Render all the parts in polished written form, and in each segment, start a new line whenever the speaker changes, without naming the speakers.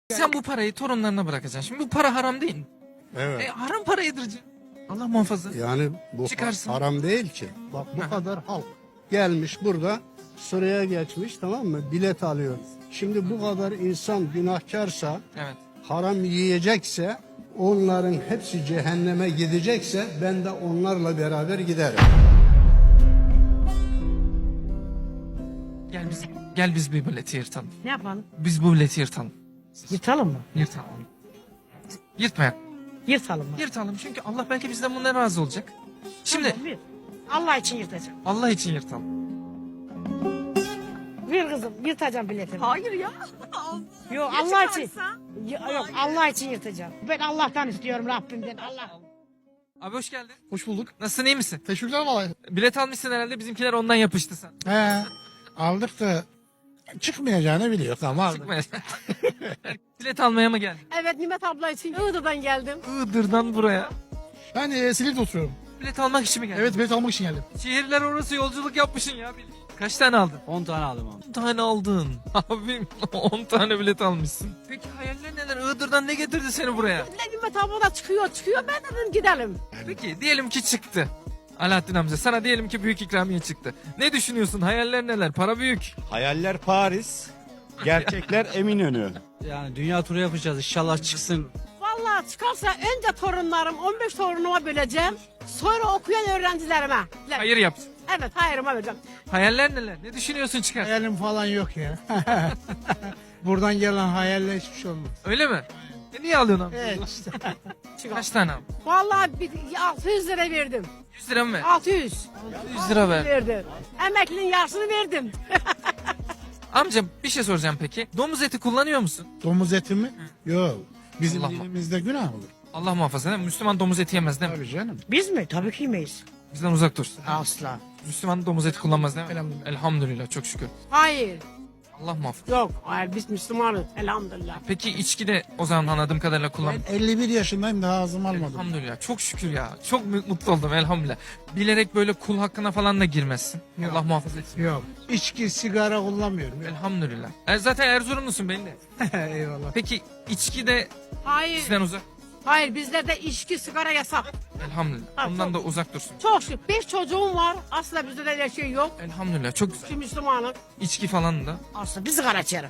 Sen bu parayı torunlarına bırakacaksın. Şimdi bu para haram değil mi?
Evet.
Haram para yedireceksin. Allah muhafaza.
Yani bu
Çıkarsın.
haram değil ki. Bak bu kadar halk gelmiş burada sıraya geçmiş, tamam mı? Bilet alıyor. Şimdi bu kadar insan günahkarsa,
Evet.
haram yiyecekse, onların hepsi cehenneme gidecekse ben de onlarla beraber giderim.
Gel biz bir bileti yırtalım.
Ne yapalım?
Biz bu bileti yırtalım.
Yırtalım mı?
Yırtalım. Yırtmayak.
Yırtalım mı?
Yırtalım çünkü Allah belki bizden bundan razı olacak. Şimdi
Tamam, yırt. Allah için yırtacağım.
Allah için yırtalım.
Bir kızım yırtacağım biletimi.
Hayır ya.
Yok
Ya
Allah için.
çıkarsa?
Yok Allah için yırtacağım. Ben Allah'tan istiyorum Rabbimden. Allah.
Abi hoş geldin.
Hoş bulduk.
Nasılsın, iyi misin?
Teşekkürler vallahi.
Bilet almışsın herhalde, bizimkiler ondan yapıştı sen.
He, aldık da çıkmayacağını biliyor. Tamam aldık.
Çıkma. Bilet almaya mı geldin?
Evet Nimet abla için Iğdır'dan geldim.
Iğdır'dan buraya.
Ben Silivri'de oturuyorum.
Bilet almak için mi geldin?
Evet bilet almak için geldim.
Şehirler orası yolculuk yapmışsın ya. Kaç tane aldın?
10 tane aldım abi.
10 tane aldın. Abim 10 tane bilet almışsın. Peki hayaller neler? Iğdır'dan ne getirdi seni buraya?
Ne Nimet abla da çıkıyor. Ben dedim gidelim.
Peki diyelim ki çıktı. Alaaddin amca sana diyelim ki büyük ikramiye çıktı. Ne düşünüyorsun? Hayaller neler? Para büyük.
Hayaller Paris, gerçekler Eminönü.
Yani dünya turu yapacağız inşallah çıksın.
Vallahi çıkarsa önce torunlarım 15 torunuma böleceğim. Sonra okuyan öğrencilerime.
Hayır yapsın.
Evet hayırıma vereceğim.
Hayaller neler? Ne düşünüyorsun çıkar?
Hayalim falan yok ya. Buradan gelen hayaller hiçbir şey olmaz.
Öyle mi? Niye alıyorsun amca?
Evet işte.
Kaç tane abi?
Vallahi 600 lira verdim.
100 lira mı ver?
600.
100 lira ver.
Verdim. Emeklinin yarısını verdim.
Amca bir şey soracağım peki. Domuz eti kullanıyor musun?
Domuz eti mi? Yok. Bizim
Allah
dilimizde günah olur.
Allah muhafaza değil mi? Müslüman domuz eti yemez değil mi?
Tabii canım.
Biz mi? Tabii ki yemeyiz.
Bizden uzak dursun.
Asla.
Müslüman domuz eti kullanmaz değil mi?
Elhamdülillah.
Elhamdülillah, çok şükür.
Hayır.
Allah muhafaza.
Yok. Hayır biz Müslümanız. Elhamdülillah.
Peki içki de o zaman anladığım kadarıyla kullan.
Ben 51 yaşındayım daha ağzımı almadım.
Elhamdülillah, çok şükür ya. Çok mutlu oldum elhamdülillah. Bilerek böyle kul hakkına falan da girmezsin.
Yok.
Allah muhafaza etsin.
Yok. İçki, sigara kullanmıyorum. Yok.
Elhamdülillah. Zaten Erzurumlusun belli.
Eyvallah.
Peki içki de
Hayır.
bizden uzak.
Hayır bizlerde içki sigara yasak.
Elhamdülillah.
Ha,
Ondan
çok-
da uzak dursun.
Çok şükür. 5 çocuğum var. Asla bizde de öyle şey yok.
Elhamdülillah, çok güzel.
Şu Müslümanım.
İçki falan da.
Asla bir sigara içerim.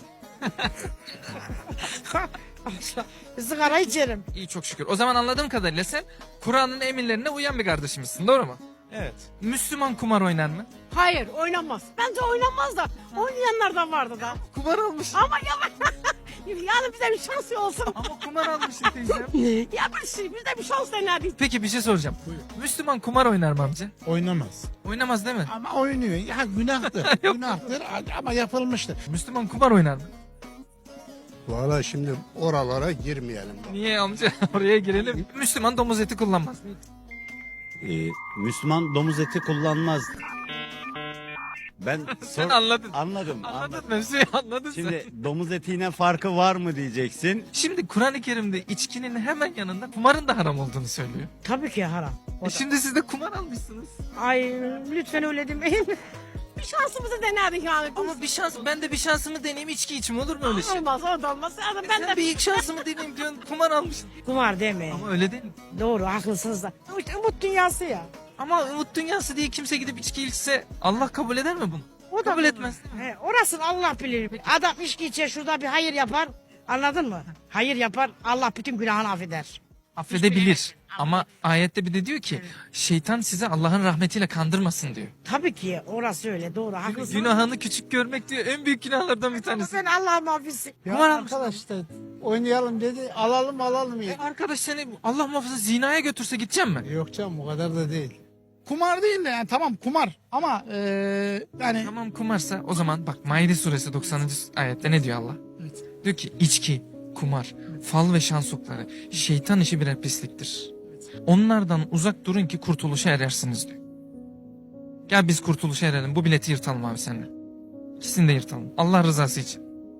Asla bir sigara içerim.
İyi, çok şükür. O zaman anladığım kadarıyla sen Kur'an'ın emirlerine uyan bir kardeşimizsin, doğru mu?
Evet.
Müslüman kumar oynar mı?
Hayır oynamaz. Bence oynamaz da oynayanlar da vardı da.
Kumar almış.
Ama yani bize bir şans olsun.
Ama kumar almışsın teyzem.
Ya bir şey bize bir şans denerdik.
Peki bir şey soracağım. Müslüman kumar oynar mı amca?
Oynamaz.
Oynamaz değil mi?
Ama oynuyor. Ya günahtır. Günahtır ama yapılmıştır.
Müslüman kumar oynar mı?
Valla şimdi oralara girmeyelim. Bak.
Niye amca? Oraya girelim. Müslüman domuz eti kullanmaz.
Müslüman domuz eti kullanmaz. Ben
Sen anladın.
Anladım.
Anladın mevzuyu anladın sen.
Şimdi domuz etiyle farkı var mı diyeceksin.
Şimdi Kur'an-ı Kerim'de içkinin hemen yanında kumarın da haram olduğunu söylüyor.
Tabii ki haram.
Şimdi siz de kumar almışsınız.
Ay lütfen öyle demeyin.
Bir şansımızı denerdik yani.
Ama bir şans, ben de bir şansımı deneyeyim, içki içim olur mu öyle şey?
Olmaz o da olmaz. Yani ben
Sen
de
bir ilk şansımı deneyeyim diyorsun, kumar almışsın.
Kumar demeyin.
Ama öyle değil mi?
Doğru haklısınız da. İşte umut dünyası ya.
Ama umut dünyası diye kimse gidip içki içse Allah kabul eder mi bunu?
O da
Kabul
doğru.
etmez değil mi?
He, orasını Allah bilir. Adam içki içer şurada bir hayır yapar. Anladın mı? Hayır yapar. Allah bütün günahını affeder.
Affedebilir. Ama ayette bir de diyor ki şeytan size Allah'ın rahmetiyle kandırmasın diyor.
Tabii ki orası öyle doğru haklısın.
Günahını küçük görmek diyor en büyük günahlardan bir tanesi.
Ben Allah'ım affetsin.
Ya
Kumar almış.
arkadaş da oynayalım dedi. Alalım ya.
Arkadaş seni Allah muhafaza zinaya götürse gidecek mi?
Yok canım o kadar da değil. Kumar değil de yani tamam kumar ama yani
Tamam kumarsa o zaman bak Maide suresi 90. ayette ne diyor Allah?
Evet.
Diyor ki içki, kumar, fal ve şans okları şeytan işi birer pisliktir. Onlardan uzak durun ki kurtuluşa erersiniz diyor. Gel biz kurtuluşa erelim, bu bileti yırtalım abi seninle. İkisini de yırtalım Allah rızası için.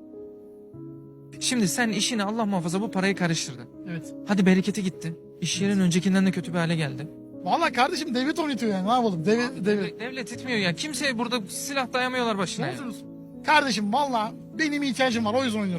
Şimdi sen işini Allah muhafaza bu parayı karıştırdın.
evet.
Hadi bereketi gitti. İş yerin öncekinden de kötü bir hale geldi.
Vallahi kardeşim devlet oynatıyor yani ne yapalım devlet.
Devlet etmiyor ya. Kimseye burada silah dayamıyorlar başına ya.
Kardeşim vallahi benim ihtiyacım var o yüzden oynuyorum.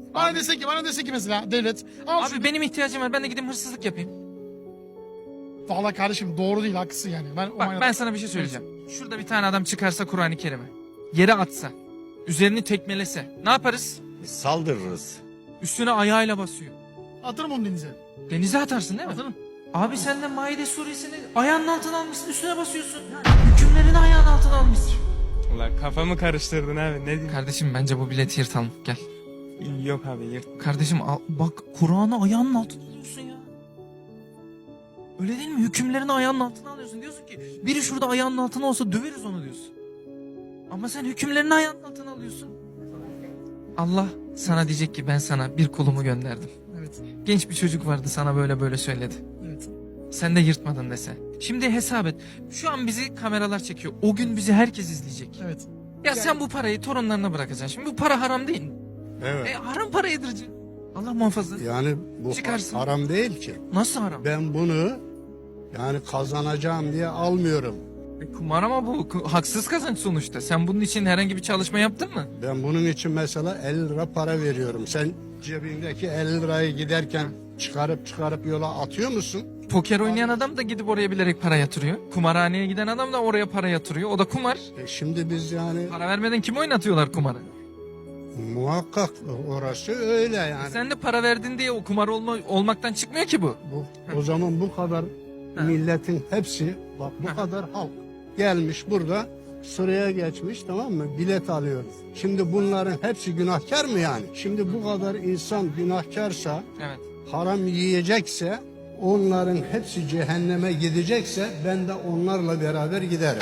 Bana dese ki mesela devlet. Al
Abi benim ihtiyacım var. Ben de gideyim hırsızlık yapayım.
Valla kardeşim doğru değil, haklısın yani.
Bak ben sana bir şey söyleyeceğim. Şurada bir tane adam çıkarsa Kur'an-ı Kerim'i yere atsa, üzerini tekmelese ne yaparız?
Saldırırız.
Üstüne ayağıyla basıyor.
Atırım onu denize.
Denize atarsın değil mi?
Atarım.
Abi sen de Maide suresini ayağının altına almışsın, üstüne basıyorsun. Hükümlerini ayağının altına almışsın.
Ulan kafamı karıştırdın abi, ne diyeyim?
Kardeşim bence bu bileti yırtalım. Gel.
Yok abi, yırt.
Kardeşim bak Kur'an'ı ayağının altına alıyorsun ya. Öyle değil mi? Hükümlerini ayağının altına alıyorsun. Diyorsun ki biri şurada ayağının altına olsa döveriz onu diyorsun. Ama sen hükümlerini ayağının altına alıyorsun. Allah sana diyecek ki ben sana bir kulumu gönderdim.
Evet.
Genç bir çocuk vardı sana böyle söyledi.
Evet.
Sen de yırtmadın dese. Şimdi hesap et. Şu an bizi kameralar çekiyor. O gün bizi herkes izleyecek.
Evet.
Ya sen bu parayı torunlarına bırakacaksın. Şimdi bu para haram değil mi?
Evet.
Haram para yedireceksin. Allah muhafaza.
Yani bu
Çıkarsın.
haram değil ki.
Nasıl haram?
Ben bunu yani kazanacağım diye almıyorum.
Kumar ama bu haksız kazanç sonuçta. Sen bunun için herhangi bir çalışma yaptın mı?
Ben bunun için mesela 50 lira para veriyorum. Sen cebindeki 50 lirayı giderken çıkarıp yola atıyor musun?
Poker oynayan adam da gidip oraya bilerek para yatırıyor. Kumarhaneye giden adam da oraya para yatırıyor. O da kumar.
Şimdi biz yani
Para vermeden kim oynatıyorlar kumarı?
muhakkak orası öyle yani.
Sen de para verdin diye o kumar olmaktan çıkmıyor ki bu.
O zaman bu kadar milletin hepsi bak bu kadar halk gelmiş burada sıraya geçmiş, tamam mı? Bilet alıyor. Şimdi bunların hepsi günahkar mı yani? Şimdi bu kadar insan günahkarsa,
Evet.
haram yiyecekse, onların hepsi cehenneme gidecekse ben de onlarla beraber giderim.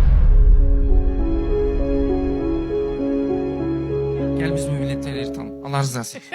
Gel biz bu milletleri yırtalım. Allah rızası için.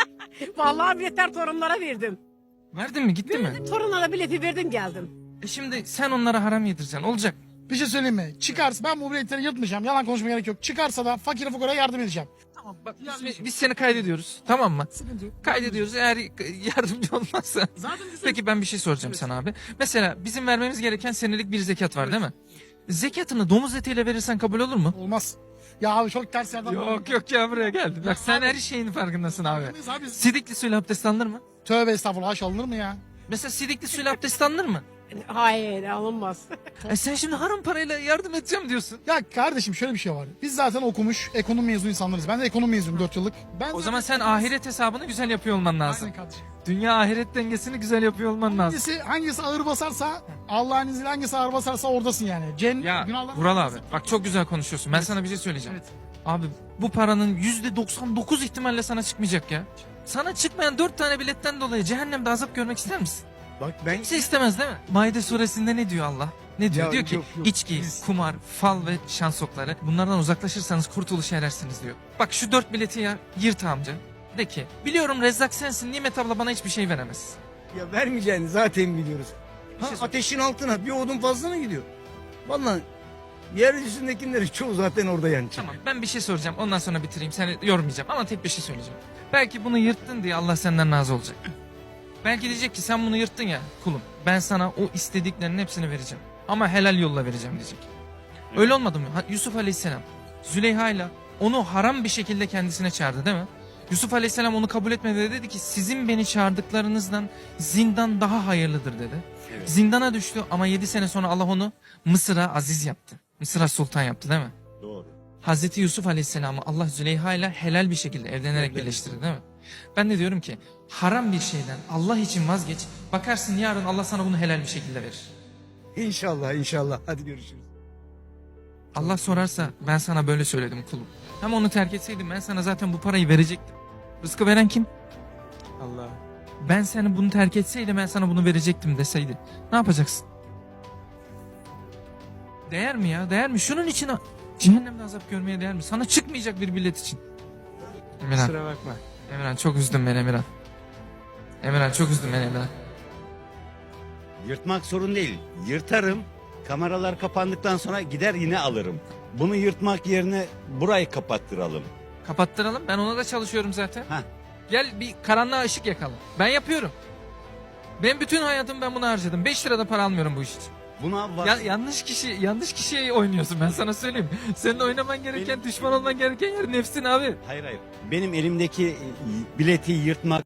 Vallahi biletler torunlara verdim.
Verdin mi? Gitti mi?
Torunlara bileti verdim geldim.
Şimdi sen onlara haram yedireceksin. Olacak.
Bir şey söyleyeyim mi? Çıkarsa ben bu biletleri yırtmayacağım. Yalan konuşmaya gerek yok. Çıkarsa da fakire fukaraya yardım edeceğim.
Tamam bak biz seni kaydediyoruz. Tamam mı?
Sıkıntı yok.
Kaydediyoruz. Eğer yardımcı olmazsa.
Zaten güzel.
Peki ben bir şey soracağım sana abi. Mesela bizim vermemiz gereken senelik bir zekat var değil mi? Zekatını domuz etiyle verirsen kabul olur mu?
Olmaz. Ya abi çok ters yerden.
Yok ya buraya geldi. Bak sen her şeyin farkındasın abi.
Farkındayız abi.
Sidikli suyla abdest alınır mı?
Tövbe estağfurullah, haş alınır mı ya?
Mesela sidikli suyla abdest alınır mı?
Hayır alınmaz.
Sen şimdi haram parayla yardım edeceğim diyorsun.
Ya kardeşim şöyle bir şey var. Biz zaten okumuş, ekonomi mezunu insanlarız. Ben de ekonomi mezunuyum 4 yıllık.
O zaman sen ahiret hesabını güzel yapıyor olman lazım.
Aynen kardeşim.
Dünya ahiret dengesini güzel yapıyor olman lazım.
Hangisi ağır basarsa, Allah'ın izniyle hangisi ağır basarsa oradasın yani.
Ya
günahlar-
Vural abi bak çok güzel konuşuyorsun. Ben sana bir şey söyleyeceğim.
Evet.
Abi bu paranın %99 ihtimalle sana çıkmayacak ya. Sana çıkmayan 4 tane biletten dolayı cehennemde azap görmek ister misin?
Bak ben
Kimse istemez değil mi? Maide suresinde ne diyor Allah? Ne diyor?
Ya
Diyor ki
yok, yok.
içki, kumar, fal ve şans okları bunlardan uzaklaşırsanız kurtuluşa erersiniz diyor. Bak şu 4 bileti ya yırt amca. De ki biliyorum Rezzak sensin, Nimet abla bana hiçbir şey veremez.
Ya vermeyeceğini zaten biliyoruz.
Bir şey sor-
Ateşin altına bir odun fazla mı gidiyor? Vallahi yeryüzündekilerin çoğu zaten orada yanacak.
Tamam ben bir şey soracağım ondan sonra bitireyim seni yormayacağım ama tek bir şey söyleyeceğim. Belki bunu yırttın diye Allah senden razı olacak. Belki diyecek ki sen bunu yırttın ya kulum ben sana o istediklerinin hepsini vereceğim. Ama helal yolla vereceğim diyecek. Öyle olmadı mı? Yusuf Aleyhisselam Züleyha ile onu haram bir şekilde kendisine çağırdı değil mi? Yusuf Aleyhisselam onu kabul etmedi ve dedi ki sizin beni çağırdıklarınızdan zindan daha hayırlıdır dedi.
Evet.
Zindana düştü ama 7 sene sonra Allah onu Mısır'a aziz yaptı. Mısır'a sultan yaptı değil mi?
Doğru.
Hazreti Yusuf Aleyhisselam'ı Allah Züleyha ile helal bir şekilde evlenerek birleştirdi değil mi? Ben de diyorum ki haram bir şeyden Allah için vazgeç. Bakarsın yarın Allah sana bunu helal bir şekilde verir.
İnşallah. Hadi görüşürüz.
Allah sorarsa ben sana böyle söyledim kulum. Ama onu terk etseydim ben sana zaten bu parayı verecektim. Rızkı veren kim?
Allah.
Ben seni bunu terk etseydim ben sana bunu verecektim deseydi. Ne yapacaksın? Değer mi ya? Değer mi? Şunun için cehennemde azap görmeye değer mi? Sana çıkmayacak bir bilet için. Emirhan.
Kusura bakma.
Emirhan çok üzdün beni Emirhan. Emirhan çok üzdün beni Emirhan.
Yırtmak sorun değil. Yırtarım. Kameralar kapandıktan sonra gider yine alırım. Bunu yırtmak yerine burayı kapattıralım.
Kapattıralım. Ben ona da çalışıyorum zaten.
Heh.
Gel bir karanlığa ışık yakalım. Ben yapıyorum. Ben bütün hayatımı ben buna harcadım. 5 lira da para almıyorum bu iş için.
Buna var.
yanlış kişiye oynuyorsun, ben sana söyleyeyim. Senin oynaman gereken, düşman olman gereken yer nefsin abi.
Hayır. Benim elimdeki bileti yırtmak